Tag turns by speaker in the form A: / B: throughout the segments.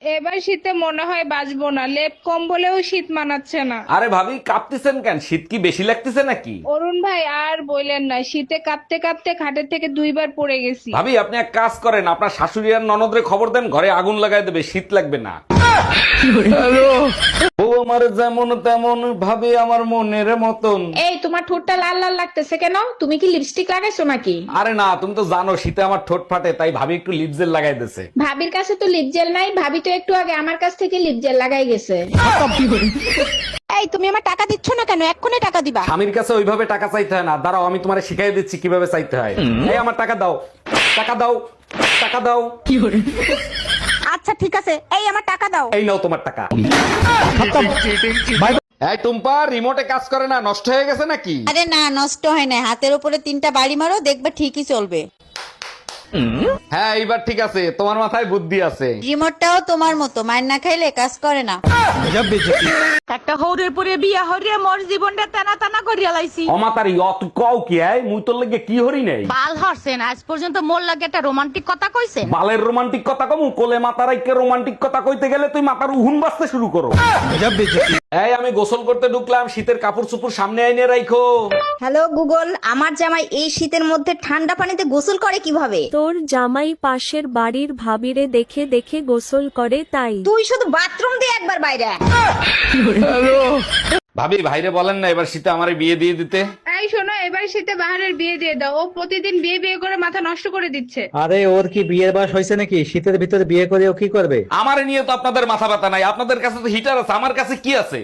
A: এবার শীতে মনে হয় বাঁচবো না, লেপ কম্বলেও শীত মানাচ্ছে না।
B: আরে ভাবি কাঁপতেছেন কেন? শীত কি বেশি লাগতেছে নাকি?
A: অরুণ ভাই আর বললেন না, শীতে কাঁপতে কাঁপতে খাটের থেকে 2 বার পড়ে গেছি।
B: ভাবি আপনি এক কাজ করেন, আপনার শাশুড়ি আর ননদরে খবর দেন, ঘরে আগুন লাগাই দেবে, শীত লাগবে না। ও আমার যেমন তেমন ভাবে আমার মনের মতন।
C: এই তোমার ঠোঁটটা লাল লাল লাগতেছে কেন? তুমি কি লিপস্টিক লাগাইছো নাকি?
B: আরে না, তুমি তো জানো শীতে আমার ঠোঁট ফাটে, তাই ভাবি একটু লিপ জেল লাগাই দিছে।
C: ভাবির কাছে তো লিপ জেল নাই, ভাবি তো একটু আগে আমার কাছ থেকে লিপ জেল লাগাই গেছে। এই তুমি আমার টাকা দিচ্ছ না কেন? এক্ষুনি টাকা দিবা।
B: স্বামীর কাছে ওইভাবে টাকা চাইতে হয় না, দাঁড়াও আমি তোমারে শিখাই দিচ্ছি কিভাবে চাইতে হয়। এই আমার টাকা দাও, টাকা দাও, টাকা দাও।
C: আচ্ছা ঠিক আছে, এই আমার টাকা দাও।
B: এই নাও তোমার টাকা। এই টুম্পা, রিমোটে কাজ করে না, নষ্ট হয়ে গেছে নাকি?
D: আরে না, নষ্ট হয় না। হাতের উপরে 3টা বাড়ি মারো, দেখবে ঠিকই চলবে।
B: হ্যাঁ এইবার ঠিক আছে, তোমার মাথায় বুদ্ধি আছে।
D: রিমোটটাও তোমার মতো, মায়ের না খাইলে কাজ করে না।
C: একটা হৌরের পরে বিয়া হরিয়া মোর জীবনটা টানা টানা করিয়া লাইছি।
B: অমাতারি অত কও কি আয়, মুই তোর লাগে কি হরি নাই?
C: বাল হরছেন, আজ পর্যন্ত মোর লাগে একটা রোমান্টিক কথা কইছেন?
B: বালের রোমান্টিক কথা কমু? কোলে মাতার আইকে রোমান্টিক কথা কইতে গেলে তুই মাথার উহুন বাজতে শুরু করো। এই আমি গোসল করতে ঢুকলাম, শীতের কাপড় চোপড় সামনে আইনে রাখো।
E: হ্যালো গুগল, আমার জামাই এই শীতের মধ্যে ঠান্ডা পানিতে গোসল করে কিভাবে?
F: তোর জামাই পাশের বাড়ির ভাবিরে দেখে দেখে গোসল করে তাই।
E: তুই শুধু বাথরুম দিয়ে একবার বাইরে আয়।
B: ভাবি ভাইরে বলেন না এবার শীতে আমারে বিয়ে দিয়ে দিতে।
A: এই শোনো, এবার শীতে বাহারের বিয়ে দিয়ে দাও। ও প্রতিদিন বিয়ে বিয়ে করে মাথা নষ্ট করে দিচ্ছে।
G: আরে ওর কি বিয়ের বয়স হয়েছে নাকি? শীতের ভিতরে বিয়ে করে ও কি করবে?
B: আমারে নিয়ে তো আপনাদের মাথা ব্যথা নাই, আপনাদের কাছে তো হিটার আছে, আমার কাছে কি আছে?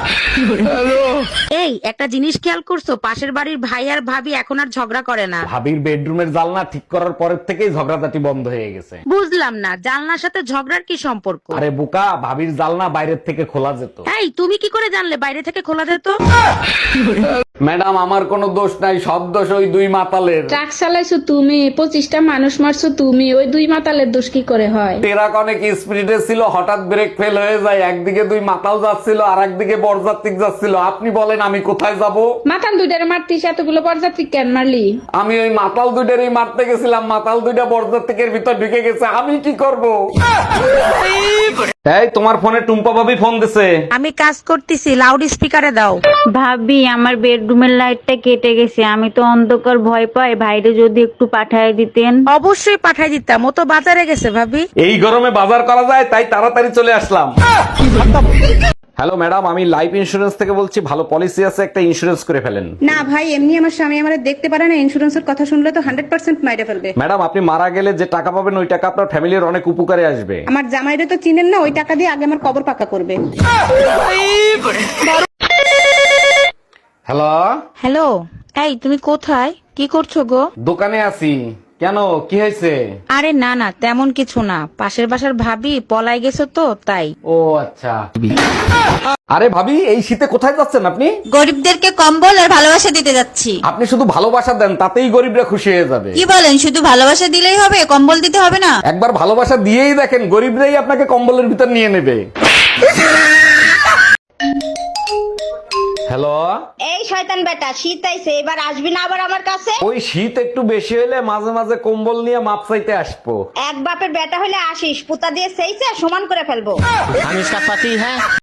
C: এই একটা জিনিস খেয়াল করছো, পাশের বাড়ির ভাই আর ভাবি এখন আর ঝগড়া করে না।
B: ভাবির বেডরুমের জানলা ঠিক করার পরের থেকেই ঝগড়াঝাটি বন্ধ হয়ে গেছে।
C: বুঝলাম না, জানলার সাথে ঝগড়ার কি সম্পর্ক?
B: আরে বোকা, ভাবির জানলা বাইরের থেকে খোলা যেত।
C: এই তুমি কি করে জানলে বাইরে থেকে খোলা যেত?
B: ম্যাডাম আমার কোনো দোষ নাই, সব দোষ ওই দুই মাতালের।
C: ট্রাক চালাইছো তুমি, 25টা মানুষ মারছো তুমি, ওই 2 মাতালের দোষ কি করে হয়?
B: ট্রাক অনেক স্পিডে ছিল, হঠাৎ ব্রেক ফেল হয়ে যায়, একদিকে দুই মাতাল যাচ্ছিল আর একদিকে বরযাত্রী যাচ্ছিল। আপনি বলেন আমি কোথায় যাব?
C: মাতাল দুইটারে মারতিস, এতগুলো বরযাত্রী কেন মারলি?
B: আমি ওই মাতাল দুইটারই মারতে গেছিলাম, মাতাল দুইটা বরযাত্রীর ভিতর ঢুকে গেছে, আমি কি করব? এই তোমার ফোনে টুম্পা ভাবি ফোন দিছে।
C: আমি কাজ করতেছি, লাউড স্পিকারে দাও।
H: ভাবি আমার বেডরুমের লাইটটা কেটে গেছে, আমি তো অন্ধকার ভয় পাই, ভাইরে যদি একটু পাঠায় দিতেন।
C: অবশ্যই পাঠাই দিতাম, ও তো বাজারে গেছে ভাবি।
B: এই গরমে বাজার করা যায় তাই তাড়াতাড়ি চলে আসলাম। হ্যালো ম্যাডাম, আমি লাইফ ইন্সুরেন্স থেকে বলছি, ভালো পলিসি আছে, একটা ইন্সুরেন্স করে ফেলেন।
E: না ভাই, এমনি আমার স্বামী আমার দেখতে পারে না, ইন্স্যুরেন্সের কথা শুনলে তো 100% মাইরে ফেলবে।
B: ম্যাডাম আপনি মারা গেলে যে টাকা পাবেন ওই টাকা আপনার ফ্যামিলির অনেক উপকারে আসবে।
E: আমার জামাইরে তো চিনেন না, ওই টাকা দিয়ে আগে আমার কবর পাকা করবে।
B: হ্যালো
C: হ্যালো, এই তুমি কোথায়, কি করছো গো?
B: দোকানে আছি। কেন, কি হয়েছে?
C: আরে না না, তেমন কিছু না, পাশের বাসার ভাবি পলাই গেছো তো তাই।
B: ও আচ্ছা। আরে ভাবি এই শীতে কোথায় যাচ্ছেন আপনি?
D: গরিবদেরকে কম্বল আর ভালোবাসা দিতে যাচ্ছি।
B: আপনি শুধু ভালোবাসা দেন, তাতেই গরিবরা খুশি হয়ে যাবে।
D: কি বলেন, শুধু ভালোবাসা দিলেই হবে, কম্বল দিতে হবে না?
B: একবার ভালোবাসা দিয়েই দেখেন, গরিবরাই আপনাকে কম্বলের ভিতর নিয়ে নেবে। হ্যালো,
E: এই শয়তান বেটা, শীত আইছে, এবার আসবি না আবার আমার কাছে?
B: ওই শীত একটু বেশি হলে মাঝে মাঝে কম্বল নিয়ে মাপ চাইতে আসবো।
E: এক বাপের বেটা হলে আসিস, পুতা দিয়ে সেইছে সমান করে ফেলবো।
G: আমি इसका पति है।